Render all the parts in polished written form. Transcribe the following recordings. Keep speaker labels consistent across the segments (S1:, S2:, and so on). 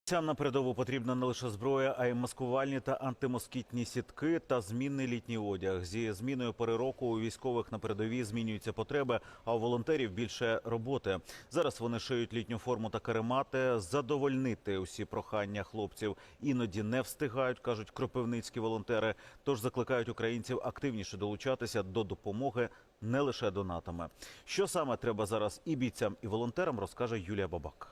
S1: Цям на передову потрібна не лише зброя, а й маскувальні та антимоскітні сітки та змінний літній одяг. Зі зміною пори року у військових на передовій змінюються потреби, а у волонтерів більше роботи. Зараз вони шиють літню форму та каремати. Задовольнити усі прохання хлопців іноді не встигають, кажуть кропивницькі волонтери. Тож закликають українців активніше долучатися до допомоги не лише донатами. Що саме треба зараз і бійцям, і волонтерам, розкаже Юлія Бабак.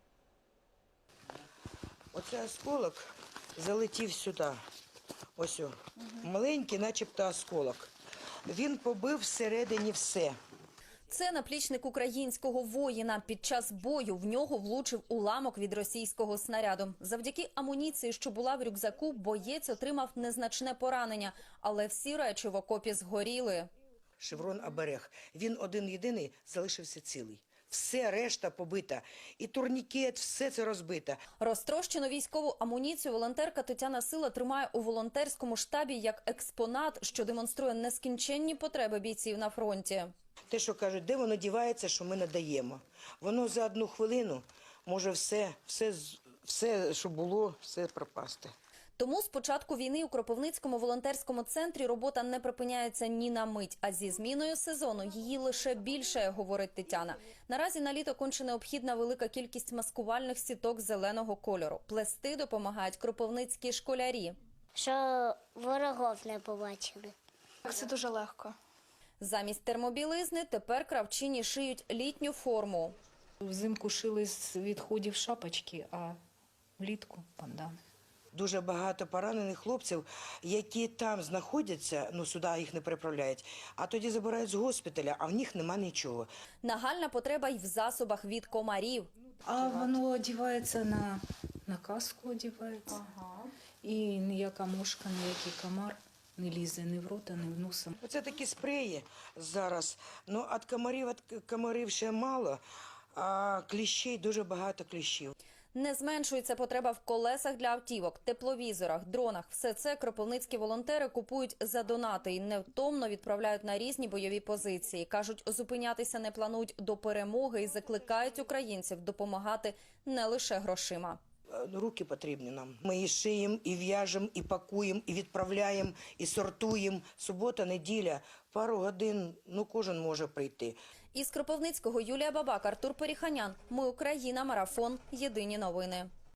S2: Оцей осколок залетів сюди. Ось о. Маленький, начебто осколок. Він побив всередині все.
S3: Це наплічник українського воїна. Під час бою в нього влучив уламок від російського снаряду. Завдяки амуніції, що була в рюкзаку, боєць отримав незначне поранення. Але всі речі в окопі згоріли.
S2: Шеврон оберег. Він один-єдиний залишився цілий. Все решта побита. І турнікет, все це розбито.
S3: Розтрощену військову амуніцію волонтерка Тетяна Сила тримає у волонтерському штабі як експонат, що демонструє нескінченні потреби бійців на фронті.
S2: Те, що кажуть, де воно дівається, що ми надаємо. Воно за одну хвилину може все, що було, все пропасти.
S3: Тому з початку війни у Кропивницькому волонтерському центрі робота не припиняється ні на мить. А зі зміною сезону її лише більше, говорить Тетяна. Наразі на літо конче необхідна велика кількість маскувальних сіток зеленого кольору. Плести допомагають кропивницькі школярі.
S4: Що ворогів не побачили.
S5: Це дуже легко.
S3: Замість термобілизни тепер кравчині шиють літню форму.
S6: Взимку шили з відходів шапочки, а влітку бандани.
S2: Дуже багато поранених хлопців, які там знаходяться, сюди їх не переправляють, а тоді забирають з госпіталя, а в них нема нічого.
S3: Нагальна потреба й в засобах від комарів.
S6: А воно одягається на каску одягається. І ніяка мошка, ніякий комар не лізе ні в рота, ні в носа.
S2: Оце такі спреї зараз. Від комарів ще мало, а кліщей дуже багато кліщів.
S3: Не зменшується потреба в колесах для автівок, тепловізорах, дронах. Все це кропивницькі волонтери купують за донати і невтомно відправляють на різні бойові позиції. Кажуть, зупинятися не планують до перемоги і закликають українців допомагати не лише грошима.
S2: Руки потрібні нам. Ми і шиємо, і в'яжемо, і пакуємо, і відправляємо, і сортуємо. Субота, неділя, пару годин, кожен може прийти.
S3: Із Кропивницького Юлія Бабак, Артур Періханян. Ми Україна. Марафон. Єдині новини.